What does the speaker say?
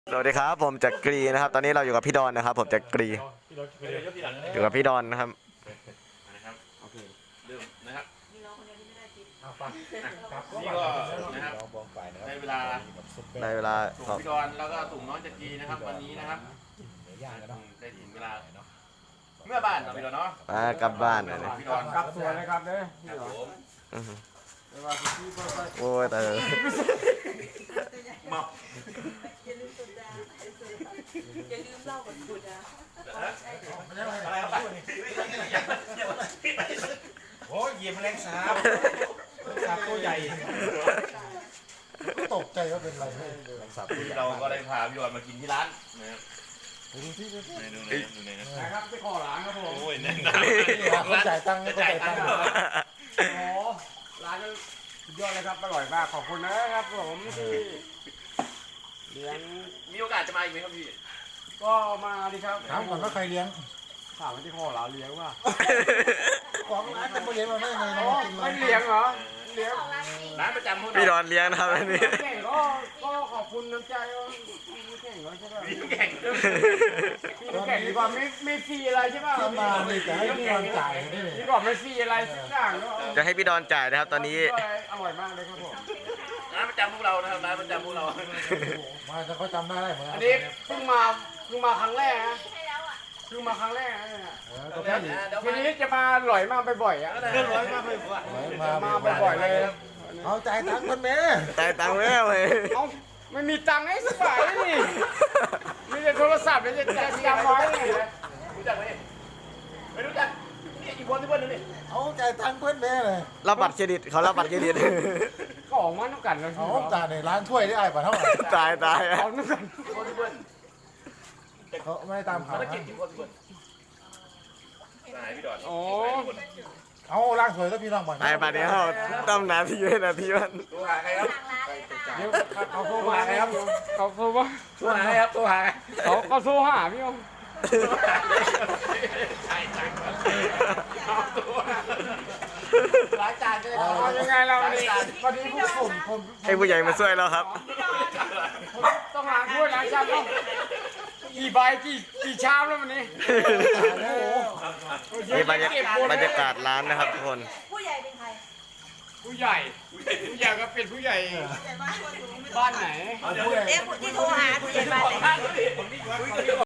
สวัสดีครับผมจักรีนะครับตอนนี้เราอยู่กับพี่ดอนนะครับผมจักรีอยู่กับพี่ดอนนะครับนะครับโอเคเริ่มนะครับนี่ก็นะครับในเวลาสุ่มพี่ดอนแล้วก็สุ่มน้องจักรีนะครับวันนี้นะครับได้ถึงเวลาเมื่อบ้านเราพี่ดอนเนาะกลับบ้านเลยพี่ดอนกลับสวยเลยครับเด้อโอ้ยแต่เมาอย่าลืมสุดาอย่าลืมเล่ากับสุดาอะไรครับโอ้ยเหยียบแมลงสาบตัวใหญ่ตกใจว่าเป็นอะไรเราก็ได้พาพี่ดอนมากินที่ร้านนะครับดูนะครับไปขอร้านครับผมโอ้ยแน่นเขาจ่ายตังค์เขาจ่ายตังค์โอ้ร้านนั้นสุดยอดเลยครับอร่อยมากขอบคุณนะครับผมที่เลี้ยงมีโอกาสจะมาอีกไหมครับพี่ก็มาดิครับถามก่อนว่าใครเลี้ยงถามว่าที่ขอร้านเลี้ยงว่าของร้านจะมาเลี้ยงเราได้ไงเรากินไม่เลี้ยงเหรอเลี้ยงร้านประจำพวกเราพี่ดอนเลี้ยงนะครับอันนี้แข่งก็ขอบคุณน้ำใจพี่แข่งก็ใช่ป่ะพี่แข่งพี่แข่งดีกว่าไม่ฟรีอะไรใช่ป่ะที่มานี่จะให้พี่ดอนจ่ายได้เลยดีกว่าไม่ฟรีอะไรสักอย่างก็จะให้พี่ดอนจ่ายนะครับตอนนี้อร่อยมากเลยครับผมร้านประจำพวกเรานะครับร้านประจำพวกเรามาจะเขาจำได้เหมือนกัอันนี้เพิ่งมาครั้งแรกนะเพิ่งมาครั้งแรกนะก็แค่นี้ทีนี้จะมาหลอยมากบ่อยๆอ่ะร้อยมากเลยมาบ่อยๆเลยเอาจ่ายตังค์คนแม่จ่ายตังค์แม่เลยเอาไม่มีตังค์ให้สักบาทนี่มีแต่โทรศัพท์แล้วจะจำไว้รู้จักไหมไม่รู้จักนี่อีกคนที่เพื่อนนึงนี่เอาจ่ายตังค์เพื่อนแม่เลยรับบัตรเครดิตเขารับบัตรเครดิตก็ออกมาต้องกันเลยเอาจ่ายในร้านถ้วยได้ไอ้ป่ะเท่าไหร่ตายเอาต้องกันคนที่เพื่อนเขาไม่ตามข่าวแล้วเก็บกี่คนที่เพื่อนนายพี่ดอนโอ้เอาล้างถ้วยแล้วพี่น้องบ่อยไอ้บัตรนี้เขาต้มนาทีเว้นาทีมันตัวหาใครครับเดี๋ยวเขาโทรมาครับเขาโทรมาตัวหาใครครับตัวหาเขาโทรหาพี่องใช่จังร้านจานก็ได้ยังไงเราวันนี้ผมให้ผู้ใหญ่มาช่วยเราครับต้องล้างถ้วยล้างชามต้องกี่ใบกี่ชามแล้ววันนี้นี่บรรยากาศร้านนะครับทุกคนผู้ใหญ่เป็นใครผู้ใหญ่ก็เป็นผู้ใหญ่บ้านไหนที่โทรหาผู้ใหญ่บ้านไหน